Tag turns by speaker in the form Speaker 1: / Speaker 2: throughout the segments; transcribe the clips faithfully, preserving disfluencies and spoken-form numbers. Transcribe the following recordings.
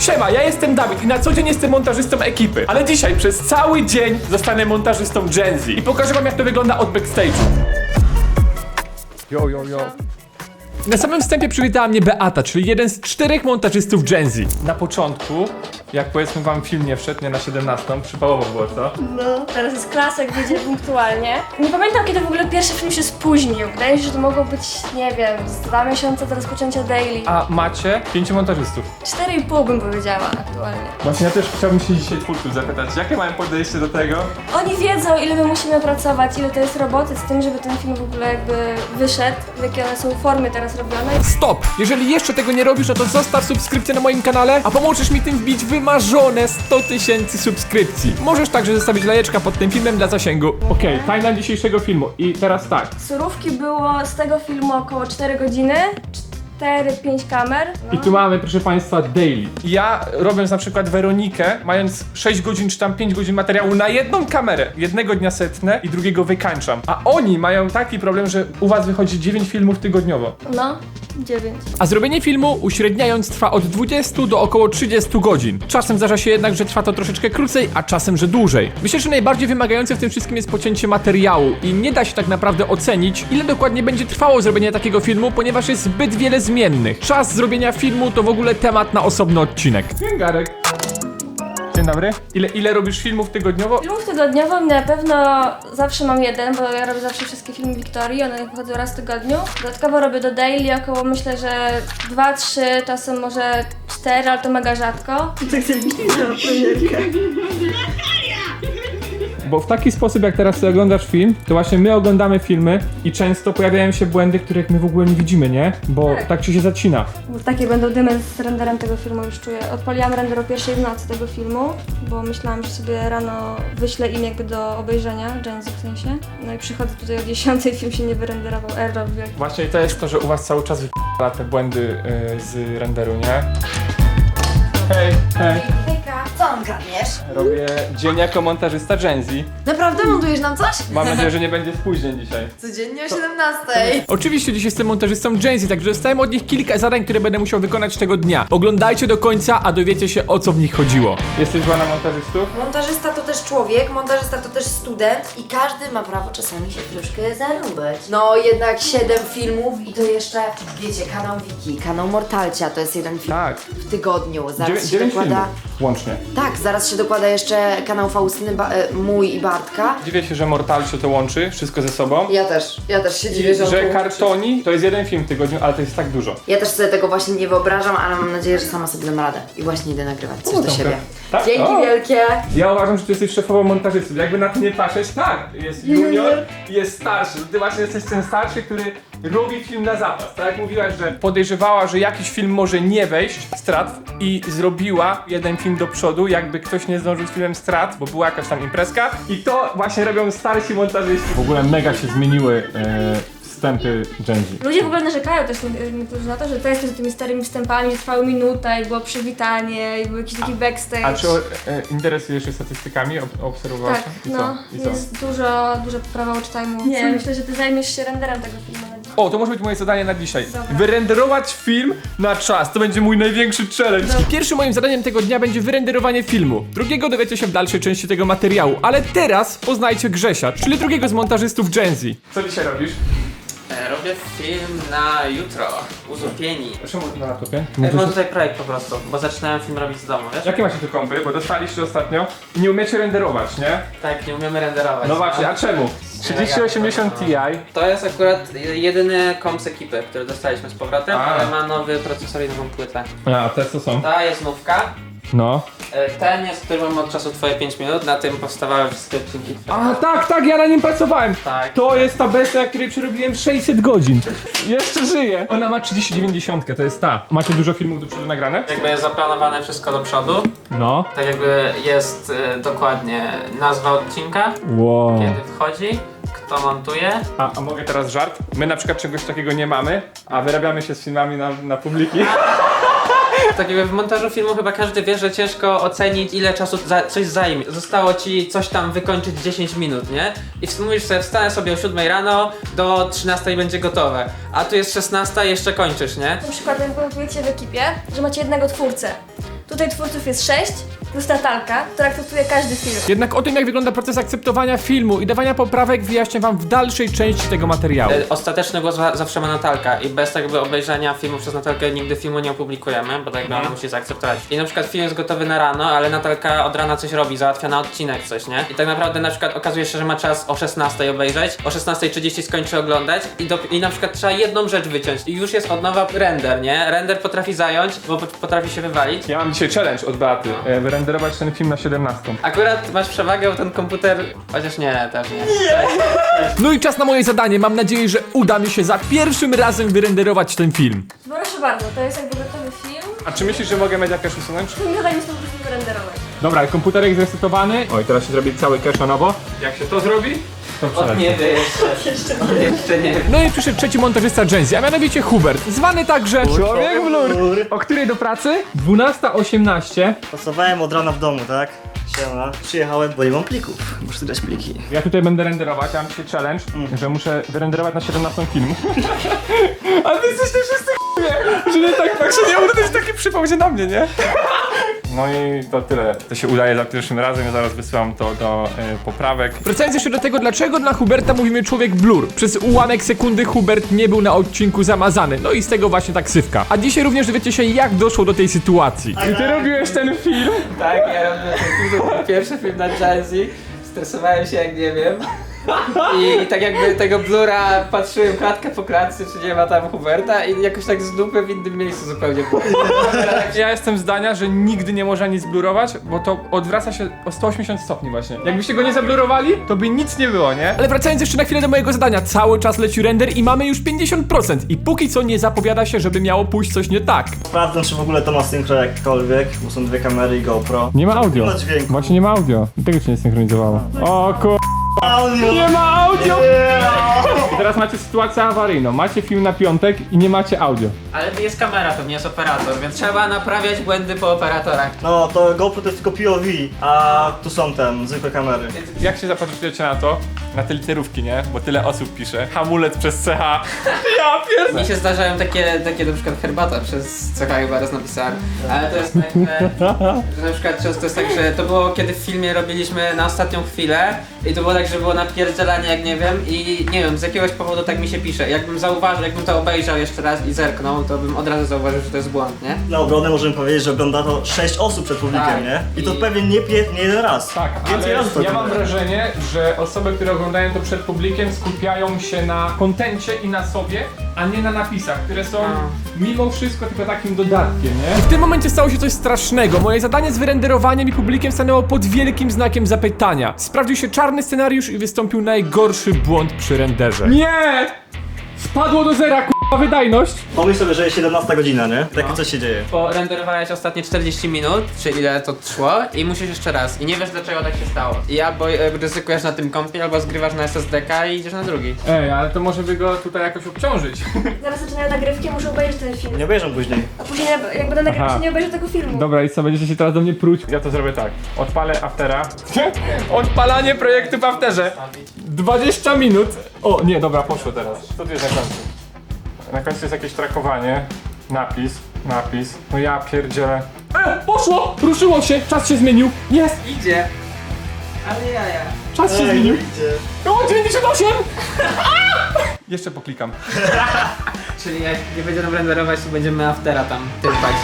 Speaker 1: Siema, ja jestem Dawid i na co dzień jestem montażystą ekipy. Ale dzisiaj przez cały dzień zostanę montażystą Gen Z. I pokażę wam, jak to wygląda od backstage'u. Jo, jo, jo. Na samym wstępie przywitała mnie Beata, czyli jeden z czterech montażystów Gen Z. Na początku, jak powiedzmy wam film nie wszedł, nie na siedemnastą, przypałowo było, co?
Speaker 2: No, teraz jest klasek, wyjdzie punktualnie. Nie pamiętam, kiedy w ogóle pierwszy film się spóźnił. Wydaje mi się, że to mogło być, nie wiem, z dwa miesiące do rozpoczęcia daily.
Speaker 1: A macie pięciu montażystów.
Speaker 2: Cztery i pół bym powiedziała aktualnie.
Speaker 1: Właśnie ja też chciałbym się dzisiaj twórców zapytać, jakie mają podejście do tego?
Speaker 2: Oni wiedzą, ile my musimy pracować, ile to jest roboty z tym, żeby ten film w ogóle jakby wyszedł, jakie one są formy teraz robione.
Speaker 1: Stop! Jeżeli jeszcze tego nie robisz, no to zostaw subskrypcję na moim kanale, a pomożesz mi tym wbić wymarzone sto tysięcy subskrypcji. Możesz także zostawić lajeczka pod tym filmem dla zasięgu. Okej, okay, timeline dzisiejszego filmu i teraz tak.
Speaker 2: Surówki było z tego filmu około cztery godziny. cztery pięć kamer. No.
Speaker 1: I tu mamy, proszę państwa, daily. Ja robiąc na przykład Weronikę, mając sześć godzin czy tam pięć godzin materiału na jedną kamerę, jednego dnia setnę i drugiego wykańczam. A oni mają taki problem, że u was wychodzi dziewięć filmów tygodniowo.
Speaker 2: No, dziewięć.
Speaker 1: A zrobienie filmu uśredniając trwa od dwudziestu do około trzydziestu godzin. Czasem zdarza się jednak, że trwa to troszeczkę krócej, a czasem, że dłużej. Myślę, że najbardziej wymagające w tym wszystkim jest pocięcie materiału i nie da się tak naprawdę ocenić, ile dokładnie będzie trwało zrobienie takiego filmu, ponieważ jest zbyt wiele zmiennych. Czas zrobienia filmu to w ogóle temat na osobny odcinek. Dzień Garek. Dzień dobry. Ile, ile robisz filmów tygodniowo?
Speaker 2: Filmów tygodniowo na pewno zawsze mam jeden, bo ja robię zawsze wszystkie filmy Wiktorii, one wychodzą raz w tygodniu. Dodatkowo robię do daily około, myślę, że dwa, trzy, czasem może cztery, ale to mega rzadko. Tak sobie na premierkę.
Speaker 1: Bo w taki sposób, jak teraz sobie oglądasz film, to właśnie my oglądamy filmy i często pojawiają się błędy, których my w ogóle nie widzimy, nie? Bo tak, tak ci się zacina.
Speaker 2: Bo takie będą dymy z renderem tego filmu, już czuję. Odpaliłam render o pierwszej w nocy tego filmu, bo myślałam, że sobie rano wyślę im jakby do obejrzenia, Gen Z w sensie. No i przychodzę tutaj o dziesiątej, film się nie wyrenderował, error wielki.
Speaker 1: Właśnie to jest to, że u was cały czas wyp***a te błędy yy, z renderu, nie? Hej, hej.
Speaker 3: Hejka, co on kradniesz?
Speaker 1: Robię dzień jako montażysta Gen Z.
Speaker 3: Naprawdę montujesz nam coś?
Speaker 1: Mam nadzieję, że nie będzie spóźnień dzisiaj.
Speaker 3: Codziennie o siedemnastej.
Speaker 1: Oczywiście dziś jestem montażystą Gen Z, także dostałem od nich kilka zadań, które będę musiał wykonać tego dnia. Oglądajcie do końca, a dowiecie się, o co w nich chodziło. Jesteś zła na montażystów?
Speaker 3: Montażysta to też człowiek, montażysta to też student i każdy ma prawo czasami się troszkę zarąbać. No jednak siedem filmów i to jeszcze, wiecie, kanał Wiki, kanał Mortalcia, to jest jeden film
Speaker 1: Tak.
Speaker 3: w tygodniu. Zaraz
Speaker 1: Dziewię-
Speaker 3: się
Speaker 1: dziewięć
Speaker 3: dokłada...
Speaker 1: filmów łącznie.
Speaker 3: Tak, zaraz się dokłada jeszcze kanał Faustyny, ba- e, mój i Bartka.
Speaker 1: Dziwię się, że Mortalcio to łączy wszystko ze sobą.
Speaker 3: Ja też, ja też się
Speaker 1: I
Speaker 3: dziwię, że on
Speaker 1: że
Speaker 3: to łączy.
Speaker 1: Kartoni to jest jeden film w tygodniu, ale to jest tak dużo.
Speaker 3: Ja też sobie tego właśnie nie wyobrażam, ale mam nadzieję, że sama sobie dam radę. I właśnie idę nagrywać coś
Speaker 1: O,
Speaker 3: do
Speaker 1: dobra.
Speaker 3: siebie.
Speaker 1: Tak?
Speaker 3: Dzięki
Speaker 1: O.
Speaker 3: wielkie!
Speaker 1: Ja uważam, że ty jesteś szefową montażystów. Jakby na to nie patrzeć, tak, jest junior i jest starszy. Ty właśnie jesteś ten starszy, który robi film na zapas. Tak jak mówiłaś, że podejrzewała, że jakiś film może nie wejść w strat i zrobiła jeden film do przodu, jakby ktoś nie zdążył z filmem strat, bo była jakaś tam imprezka. I to właśnie robią starsi montażyści. W ogóle mega się zmieniły e, wstępy Gen Z.
Speaker 2: Ludzie w ogóle narzekają też nie- niektórzy na to, że testy z tymi starymi wstępami trwały minutę i było przywitanie i był jakiś taki backstage.
Speaker 1: A czy o, e, interesujesz się statystykami? Ob obserwowałaś?
Speaker 2: Tak,
Speaker 1: I co?
Speaker 2: no,
Speaker 1: I co?
Speaker 2: jest dużo, duża poprawa watch time'u. Nie, myślę, że ty zajmiesz się renderem tego filmu.
Speaker 1: O, to może być moje zadanie na dzisiaj.
Speaker 2: Dobra.
Speaker 1: Wyrenderować film na czas. To będzie mój największy challenge.
Speaker 2: Dobra.
Speaker 1: I pierwszym moim zadaniem tego dnia będzie wyrenderowanie filmu. Drugiego dowiecie się w dalszej części tego materiału. Ale teraz poznajcie Grzesia, czyli drugiego z montażystów Gen Z. Co dzisiaj robisz?
Speaker 4: E, Robię film na jutro, Uzupieni.
Speaker 1: Czemu na laptopie?
Speaker 4: Ja mam tutaj projekt po prostu, bo zaczynałem film robić z domu, wiesz?
Speaker 1: Jakie macie tu kompy? Bo dostaliście ostatnio i nie umiecie renderować, nie?
Speaker 4: Tak, nie umiemy renderować.
Speaker 1: No właśnie, a czemu? trzydzieści osiemdziesiąt Ti.
Speaker 4: To jest akurat jedyny komp z ekipy, który dostaliśmy z powrotem,
Speaker 1: A.
Speaker 4: ale ma nowy procesor i nową płytę.
Speaker 1: A, te co są?
Speaker 4: Ta jest nówka.
Speaker 1: No.
Speaker 4: E, Ten jest, który mam od czasu twoje pięć minut, na tym powstawały wszystkie odcinki.
Speaker 1: A, tak, tak, ja na nim pracowałem.
Speaker 4: Tak.
Speaker 1: To jest ta bestia, której przerobiłem sześćset godzin. Jeszcze żyje. Ona ma trzydzieści dziewięćdziesiąt, to jest ta. Macie dużo filmów do przodu nagrane?
Speaker 4: Jakby jest zaplanowane wszystko do przodu,
Speaker 1: No.
Speaker 4: tak jakby jest e, dokładnie nazwa odcinka,
Speaker 1: Wow.
Speaker 4: kiedy wchodzi, kto montuje.
Speaker 1: A, a mogę teraz żart? My na przykład czegoś takiego nie mamy, a wyrabiamy się z filmami na, na publiki.
Speaker 4: Tak jakby w montażu filmu chyba każdy wie, że ciężko ocenić, ile czasu za, coś zajmie. Zostało ci coś tam wykończyć dziesięć minut, nie? I mówisz sobie, wstanę sobie o siódmej rano, do trzynastej będzie gotowe. A tu jest szesnasta i jeszcze kończysz, nie?
Speaker 2: Na przykład jak montujecie w ekipie, że macie jednego twórcę. Tutaj twórców jest sześć, plus Natalka, która akceptuje każdy film.
Speaker 1: Jednak o tym, jak wygląda proces akceptowania filmu i dawania poprawek, wyjaśnię wam w dalszej części tego materiału.
Speaker 4: E, Ostateczny głos za- zawsze ma Natalka i bez jakby obejrzenia filmu przez Natalkę nigdy filmu nie opublikujemy, bo tak jakby ona musi zaakceptować. I na przykład film jest gotowy na rano, ale Natalka od rana coś robi, załatwia na odcinek coś, nie? I tak naprawdę na przykład okazuje się, że ma czas o szesnastej obejrzeć, o szesnastej trzydzieści skończy oglądać i, do, i na przykład trzeba jedną rzecz wyciąć i już jest od nowa render, nie? Render potrafi zająć, bo pot- potrafi się wywalić.
Speaker 1: Ja mam dzisiaj challenge od Beaty, e, wyrenderować ten film na siedemnastą.
Speaker 4: Akurat masz przewagę, bo ten komputer, chociaż nie, też nie.
Speaker 1: No i czas na moje zadanie, mam nadzieję, że uda mi się za pierwszym razem wyrenderować ten film.
Speaker 2: Proszę bardzo, to jest jakby gotowy film.
Speaker 1: A czy myślisz, że mogę mieć jakieś usunąć?
Speaker 2: Film zadanie jest po prostu wyrenderować.
Speaker 1: Dobra, komputerek zresetowany. Oj, teraz się zrobi cały cache na nowo. Jak się to zrobi? To
Speaker 4: Od nie wie jeszcze. Jeszcze nie.
Speaker 1: No i przyszedł trzeci montażysta Gen-Z, a mianowicie Hubert, zwany także Człowiek Blur. O której do pracy? dwunasta osiemnaście.
Speaker 5: Pracowałem od rana w domu, tak? Siema. Przyjechałem, bo nie mam plików. Muszę dać pliki.
Speaker 1: Ja tutaj będę renderować, ja mam dzisiaj challenge, że muszę wyrenderować na siedemnastą film. Ale wy jesteście wszyscy ch**ie, że nie tak, tak się nie uda, to jest taki przypał się na mnie, nie? No i to tyle. To się udaje za pierwszym razem, ja zaraz wysyłam to do y, poprawek. Wracając jeszcze do tego, dlaczego dla Huberta mówimy Człowiek Blur. Przez ułamek sekundy Hubert nie był na odcinku zamazany, no i z tego właśnie ta ksywka. A dzisiaj również dowiecie się, jak doszło do tej sytuacji. I ty robiłeś ten film?
Speaker 4: Tak, ja robię ten film, to był pierwszy film na Gen-Z. Stresowałem się jak nie wiem. I tak jakby tego blura patrzyłem klatkę po klatce, czy nie ma tam Huberta i jakoś tak z dupy w innym miejscu zupełnie było.
Speaker 1: Ja jestem zdania, że nigdy nie można nic blurować, bo to odwraca się o sto osiemdziesiąt stopni właśnie. Jakbyście go nie zablurowali, to by nic nie było, nie? Ale wracając jeszcze na chwilę do mojego zadania, cały czas leci render i mamy już pięćdziesiąt procent i póki co nie zapowiada się, żeby miało pójść coś nie tak.
Speaker 5: Sprawdzam, czy w ogóle to ma synchro jakkolwiek, bo są dwie kamery i GoPro.
Speaker 1: Nie ma audio.
Speaker 5: Nie ma dźwięku.
Speaker 1: Właśnie nie ma audio. Tego się nie synchronizowało. O kur...
Speaker 5: Audio!
Speaker 1: Nie ma audio!
Speaker 5: Yeah!
Speaker 1: I teraz macie sytuację awaryjną. Macie film na piątek i nie macie audio.
Speaker 4: Ale jest kamera, to nie jest operator, więc trzeba naprawiać błędy po operatorach.
Speaker 5: No, to GoPro to jest tylko P O V, a tu są tam zwykłe kamery.
Speaker 1: Jak się zapatrujecie na to? Na te literówki, nie? Bo tyle osób pisze. Hamulec przez C H. Ja pierdolę.
Speaker 4: Mi się zdarzają takie, takie na przykład herbata przez C H chyba raz napisałem, ale to jest tak, że, że na przykład często jest tak, że to było kiedy w filmie robiliśmy na ostatnią chwilę i to było tak, że było napierdzielanie jak nie wiem i nie wiem, z jakiegoś powodu tak mi się pisze. Jakbym zauważył, jakbym to obejrzał jeszcze raz i zerknął, to bym od razu zauważył, że to jest błąd, nie?
Speaker 5: Na obronę możemy powiedzieć, że ogląda to sześć osób przed publikiem,
Speaker 4: Tak.
Speaker 5: nie? I to
Speaker 4: I-
Speaker 5: pewnie nie, pie- nie jeden raz.
Speaker 1: Tak,
Speaker 5: Więcej razy to
Speaker 1: ale ja mam
Speaker 5: oglądałem.
Speaker 1: wrażenie, że osoby, które oglądają to przed publikiem, skupiają się na kontencie i na sobie, a nie na napisach, które są mimo wszystko tylko takim dodatkiem, nie? I w tym momencie stało się coś strasznego. Moje zadanie z wyrenderowaniem i publikiem stanęło pod wielkim znakiem zapytania. Sprawdził się czarny scenariusz i wystąpił najgorszy błąd przy renderze. Nie! Spadło do zera, k***a, wydajność.
Speaker 5: Pomyśl sobie, że jest siedemnasta godzina, nie? Takie coś się dzieje.
Speaker 4: Bo renderowałeś ostatnie czterdzieści minut, czy ile to trwało i musisz jeszcze raz i nie wiesz dlaczego tak się stało. I albo e, ryzykujesz na tym kompie, albo zgrywasz na S S D K i idziesz na drugi.
Speaker 1: Ej, ale to może by go tutaj jakoś obciążyć.
Speaker 2: Zaraz zaczynają nagrywki, muszę obejrzeć ten film.
Speaker 5: Nie obejrzę później.
Speaker 2: A później jak będę nagrywać,
Speaker 1: Aha.
Speaker 2: to nie obejrzę tego filmu.
Speaker 1: Dobra, i co, będziecie się teraz do mnie pruć? Ja to zrobię tak. Odpalę Aftera. Odpalanie projektu w Afterze. dwadzieścia minut. O, nie, dobra, poszło teraz. Co tu jest na końcu? Na końcu jest jakieś trakowanie. Napis, napis. No ja pierdzielę. E, poszło! Ruszyło się, czas się zmienił. Jest!
Speaker 4: Idzie! Ale jaja.
Speaker 1: Czas się
Speaker 5: Ej,
Speaker 1: zmienił.
Speaker 5: idzie.
Speaker 1: O, dziewięćdziesiąt osiem! Jeszcze poklikam.
Speaker 4: Czyli jak nie będzie nam renderować, to będziemy aftera tam tyrpać.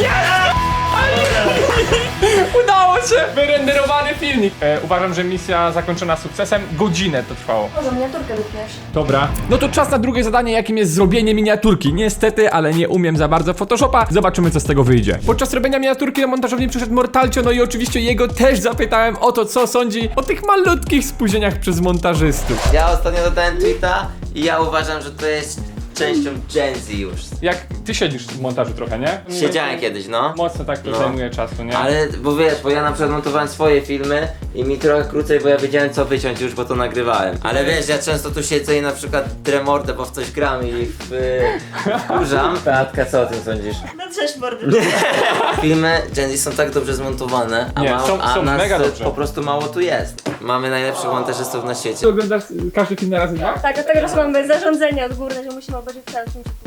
Speaker 1: Udało się! Wyrenderowany filmik. E, uważam, że misja zakończona sukcesem. Godzinę to trwało.
Speaker 2: Może miniaturkę wytniesz.
Speaker 1: Dobra. No to czas na drugie zadanie, jakim jest zrobienie miniaturki. Niestety, ale nie umiem za bardzo Photoshopa. Zobaczymy, co z tego wyjdzie. Podczas robienia miniaturki na montażowni przyszedł Mortalcio, no i oczywiście jego też zapytałem o to, co sądzi o tych malutkich spóźnieniach przez montażystów.
Speaker 6: Ja ostatnio dodałem tweeta i ja uważam, że to jest częścią Gen Z już.
Speaker 1: Jak ty siedzisz w montażu trochę, nie?
Speaker 6: Siedziałem kiedyś, no.
Speaker 1: Mocno tak to
Speaker 6: No.
Speaker 1: zajmuje czasu, nie?
Speaker 6: Ale, bo wiesz, bo ja na przykład montowałem swoje filmy i mi trochę krócej, bo ja wiedziałem co wyciąć już, bo to nagrywałem. Ale wiesz, ja często tu siedzę i na przykład tremordę, bo w coś gram i w, y, wkurzam. Beatka, co o tym sądzisz?
Speaker 5: No cześć, mordy.
Speaker 6: Filmy Gen Z są tak dobrze zmontowane, a,
Speaker 1: Nie,
Speaker 6: mało,
Speaker 1: są-
Speaker 6: a
Speaker 1: są
Speaker 6: nas
Speaker 1: mega
Speaker 6: y,
Speaker 1: dobrze.
Speaker 6: po prostu mało tu jest. Mamy najlepszych montażystów na świecie.
Speaker 1: Ty oglądasz każdy film na razy dwa?
Speaker 2: Tak, od tego czasu mamy zarządzenie odgórne, że musimy obejrzeć cały film przed publikiem.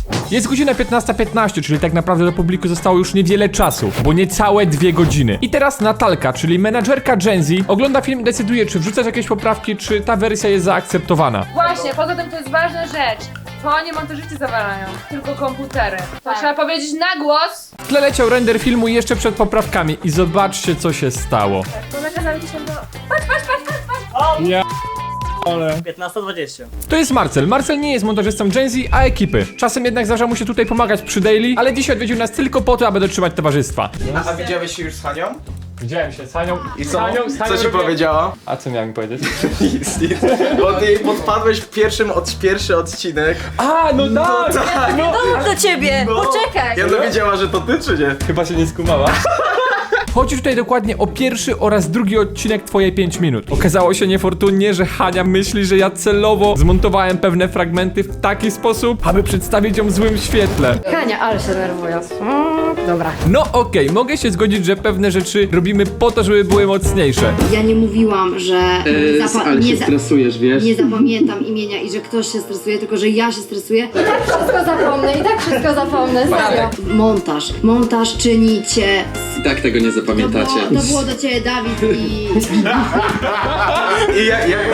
Speaker 1: Jest godzina piętnasta piętnaście, czyli tak naprawdę do publiku zostało już niewiele czasu, bo niecałe dwie godziny. I teraz Natalka, czyli menadżerka Gen Z, ogląda film i decyduje, czy wrzucać jakieś poprawki, czy ta wersja jest zaakceptowana.
Speaker 7: Właśnie, poza tym to jest ważna rzecz. To nie montażyści zawalają, tylko komputery. To trzeba powiedzieć na głos.
Speaker 1: W tle leciał render filmu jeszcze przed poprawkami i zobaczcie, co się stało.
Speaker 2: Bo nakazali ci się do... Patrz, patrz, patrz, patrz, patrz!
Speaker 1: Ja... ale...
Speaker 5: piętnasta dwadzieścia.
Speaker 1: To jest Marcel. Marcel nie jest montażystą Gen Z, a ekipy. Czasem jednak zdarza mu się tutaj pomagać przy daily, ale dzisiaj odwiedził nas tylko po to, aby dotrzymać towarzystwa.
Speaker 8: A, a widziałeś się już z Hanią?
Speaker 1: Widziałem się z Hanią.
Speaker 8: I
Speaker 1: z
Speaker 8: co?
Speaker 1: Hanią, z Hanią
Speaker 8: Co ci
Speaker 1: robię-
Speaker 8: powiedziała?
Speaker 1: A co miałem powiedzieć?
Speaker 8: Nic, nic. Bo ty jej podpadłeś w pierwszym od, pierwszy odcinek.
Speaker 1: A, no tak! No,
Speaker 3: Do ciebie! Poczekaj!
Speaker 8: Ja dowiedziała, że to ty, czy nie?
Speaker 1: chyba się nie skumała. Chodzi tutaj dokładnie o pierwszy oraz drugi odcinek Twoje pięć minut. Okazało się niefortunnie, że Hania myśli, że ja celowo zmontowałem pewne fragmenty w taki sposób, aby przedstawić ją w złym świetle.
Speaker 9: Hania, ale się nerwuję. Mm, dobra.
Speaker 1: No okej, mogę się zgodzić, że pewne rzeczy robimy po to, żeby były mocniejsze.
Speaker 9: Ja nie mówiłam, że zapa- nie, za-
Speaker 10: stresujesz, wiesz?
Speaker 9: nie zapamiętam imienia i że ktoś się stresuje, tylko że ja się stresuję. I tak wszystko zapomnę, i tak wszystko zapomnę, serio. Montaż. Montaż czyni cię...
Speaker 10: I tak tego nie
Speaker 9: To było,
Speaker 10: zapamiętacie.
Speaker 9: to było do ciebie, Dawid, i...
Speaker 8: I jak, jak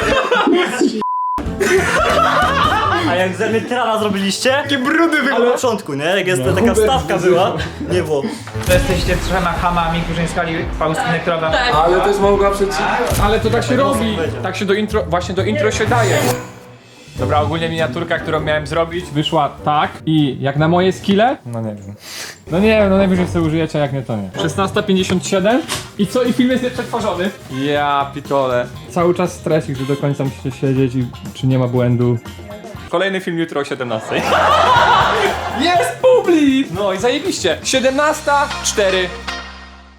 Speaker 5: A jak ze mnie trana zrobiliście?
Speaker 8: takie brudy
Speaker 5: Ale
Speaker 8: wyglądają.
Speaker 5: na początku, nie? Jak jest taka wstawka była, nie było.
Speaker 11: To jesteście trzema hamami, którzy nie skali Faustynę, która wam...
Speaker 1: Ale też mogła przecież. Ale to tak się robi. Tak się do intro, właśnie do intro się daje. Dobra, ogólnie miniaturka, którą miałem zrobić, wyszła tak i jak na moje skille, no nie wiem. No nie wiem, no najwyżej sobie użyjecie, jak nie to nie. szesnasta pięćdziesiąt siedem i co? I film jest nieprzetworzony. Ja pitole. Cały czas stresik, że do końca musicie siedzieć i czy nie ma błędu. Kolejny film jutro o siedemnastej. Jest publik! No i zajebiście. siedemnasta cztery